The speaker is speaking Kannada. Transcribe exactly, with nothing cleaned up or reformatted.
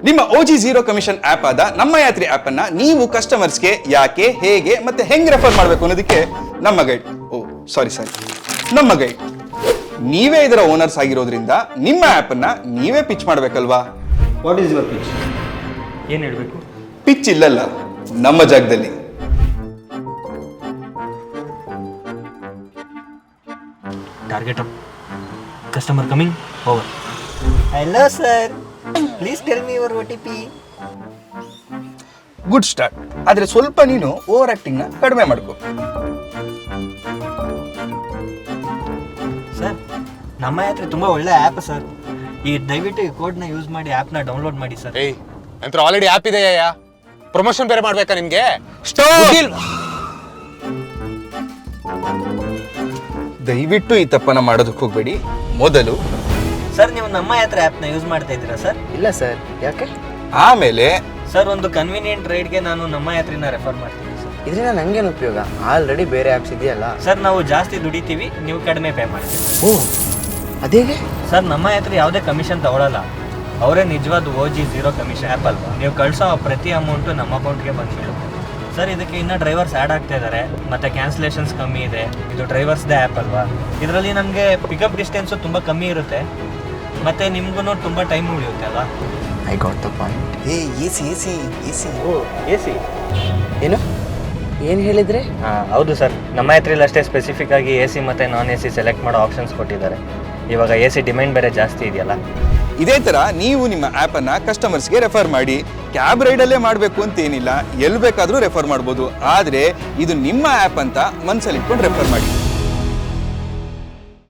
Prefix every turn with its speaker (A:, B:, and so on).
A: ನಿಮ್ಮ ಓಜಿ ಝೀರೋ ಕಮಿಷನ್ ಆಪ್ ಆದ ನಮ್ಮ ಯಾತ್ರಿ ಆಪ್ ಅನ್ನ ನೀವು ಕಸ್ಟಮರ್ಸ್ಗೆ ಯಾಕೆ, ಹೇಗೆ ಮತ್ತೆ ಹೆಂಗ್ ರೆಫರ್ ಮಾಡಬೇಕು ಅನ್ನೋದಕ್ಕೆ ನಮ್ಮ ಗೈಡ್ ಓ ಸಾರಿ ಸಾರಿ ನಮ್ಮ ಗೈಡ್ ನೀವೇ ಇದರ ಓನರ್ಸ್ ಆಗಿರೋದ್ರಿಂದ ನಿಮ್ಮ ಆಪ್ ಅನ್ನ ನೀವೇ ಪಿಚ್ ಮಾಡ್ಬೇಕಲ್ವಾ?
B: What is your pitch?
C: ಏನು ಹೇಳಬೇಕು?
A: ಪಿಚ್ ಇಲ್ಲಲ್ಲ, ನಮ್ಮ ಜಾಗದಲ್ಲಿ.
C: Target up, customer coming, over.
B: Hello sir, please tell me your O T P.
A: Good start. ಆದ್ರೆ ಸ್ವಲ್ಪ ನೀನು ಓವರ್ ಆಕ್ಟಿಂಗ್ ನ ಕಡಿಮೆ ಮಾಡ್ಕೋ.
C: ಸರ್, ನಮ್ಮ ಯಾತ್ರೆ ತುಂಬ ಒಳ್ಳೆ ಆ್ಯಪ್ ಸರ್. ಈ ದಯವಿಟ್ಟು ಈ ಕೋಡ್ನ ಯೂಸ್ ಮಾಡಿ ಆ್ಯಪ್ನ ಡೌನ್ಲೋಡ್ ಮಾಡಿ ಸರ್.
D: ಏಯ್ ನಂತರ ಆಲ್ರೆಡಿ ಆ್ಯಪ್ ಇದೆಯಾ? ಪ್ರಮೋಷನ್ ಬೇರೆ ಮಾಡ್ಬೇಕಾ ನಿಮ್ಗೆ?
A: ದಯವಿಟ್ಟು ಈ ತಪ್ಪನ್ನ ಮಾಡೋದಕ್ಕೆ ಹೋಗ್ಬೇಡಿ. ಮೊದಲು
C: ಸರ್, ನೀವು ನಮ್ಮ ಯಾತ್ರೆ ಆ್ಯಪ್ನ ಯೂಸ್ ಮಾಡ್ತಾ ಇದ್ದೀರಾ ಸರ್?
B: ಇಲ್ಲ ಸರ್, ಯಾಕೆ?
A: ಆಮೇಲೆ
C: ಸರ್, ಒಂದು ಕನ್ವೀನಿಯಂಟ್ ರೈಡ್ಗೆ ನಾನು ನಮ್ಮ ಯಾತ್ರೆನ ರೆಫರ್ ಮಾಡ್ತೀನಿ ಸರ್.
B: ಇದರಿಂದ ನಂಗೇನು ಉಪಯೋಗ? ಆಲ್ರೆಡಿ ಬೇರೆ ಆ್ಯಪ್ಸ್ ಇದೆಯಲ್ಲ.
C: ಸರ್, ನಾವು ಜಾಸ್ತಿ ದುಡಿತೀವಿ, ನೀವು ಕಡಿಮೆ ಪೇ ಮಾಡ್ತೀವಿ.
B: ಓ, ಅದೇಗೆ?
C: ಸರ್, ನಮ್ಮ ಯಾತ್ರೆ ಯಾವುದೇ ಕಮಿಷನ್ ತಗೊಳ್ಳಲ್ಲ. ಅವರೇ ನಿಜವಾದ O G zero commission app ಅಲ್ವಾ? ನೀವು ಕಳಿಸೋ ಪ್ರತಿ ಅಮೌಂಟು ನಮ್ಮ ಅಕೌಂಟ್ಗೆ ಬಂದ್ಬಿಡುತ್ತೆ ಸರ್. ಇದಕ್ಕೆ ಇನ್ನೂ ಡ್ರೈವರ್ಸ್ ಆ್ಯಡ್ ಆಗ್ತಾ ಇದ್ದಾರೆ, ಮತ್ತು ಕ್ಯಾನ್ಸಲೇಷನ್ಸ್ ಕಮ್ಮಿ ಇದೆ. ಇದು ಡ್ರೈವರ್ಸ್ದೇ ಆ್ಯಪ್ ಅಲ್ವಾ? ಇದರಲ್ಲಿ ನಮಗೆ ಪಿಕಪ್ ಡಿಸ್ಟೆನ್ಸು ತುಂಬ ಕಮ್ಮಿ ಇರುತ್ತೆ, ಮತ್ತು ನಿಮ್ಗೂ ತುಂಬ ಟೈಮ್ ಉಳಿಯುತ್ತೆ ಅಲ್ವಾ?
B: I got the point.
A: ಏ A C A C A C
C: ಓ, ಎ ಸಿ
B: ಏನು ಏನು ಹೇಳಿದ್ರೆ?
C: ಹಾಂ ಹೌದು ಸರ್, ನಮ್ಮ ಯಾತ್ರೆಯಲ್ಲಿ ಅಷ್ಟೇ ಸ್ಪೆಸಿಫಿಕ್ ಆಗಿ ಎ ಸಿ ಮತ್ತು ನಾನ್ ಎ ಸಿ ಸೆಲೆಕ್ಟ್ ಮಾಡೋ ಆಪ್ಷನ್ಸ್ ಕೊಟ್ಟಿದ್ದಾರೆ. ಇವಾಗ ಎ ಸಿ ಡಿಮ್ಯಾಂಡ್ ಬೇರೆ ಜಾಸ್ತಿ ಇದೆಯಲ್ಲ.
A: ಇದೇ ತರ ನೀವು ನಿಮ್ಮ ಆಪ್ ಅನ್ನ ಕಸ್ಟಮರ್ಸ್ಗೆ ರೆಫರ್ ಮಾಡಿ. ಕ್ಯಾಬ್ ರೈಡಲ್ಲೇ ಮಾಡಬೇಕು ಅಂತ ಏನಿಲ್ಲ, ಎಲ್ಲಿ ಬೇಕಾದರೂ ರೆಫರ್ ಮಾಡ್ಬೋದು. ಆದರೆ ಇದು ನಿಮ್ಮ ಆ್ಯಪ್ ಅಂತ ಮನಸ್ಸಲ್ಲಿ ಇಟ್ಕೊಂಡು ರೆಫರ್ ಮಾಡಿ.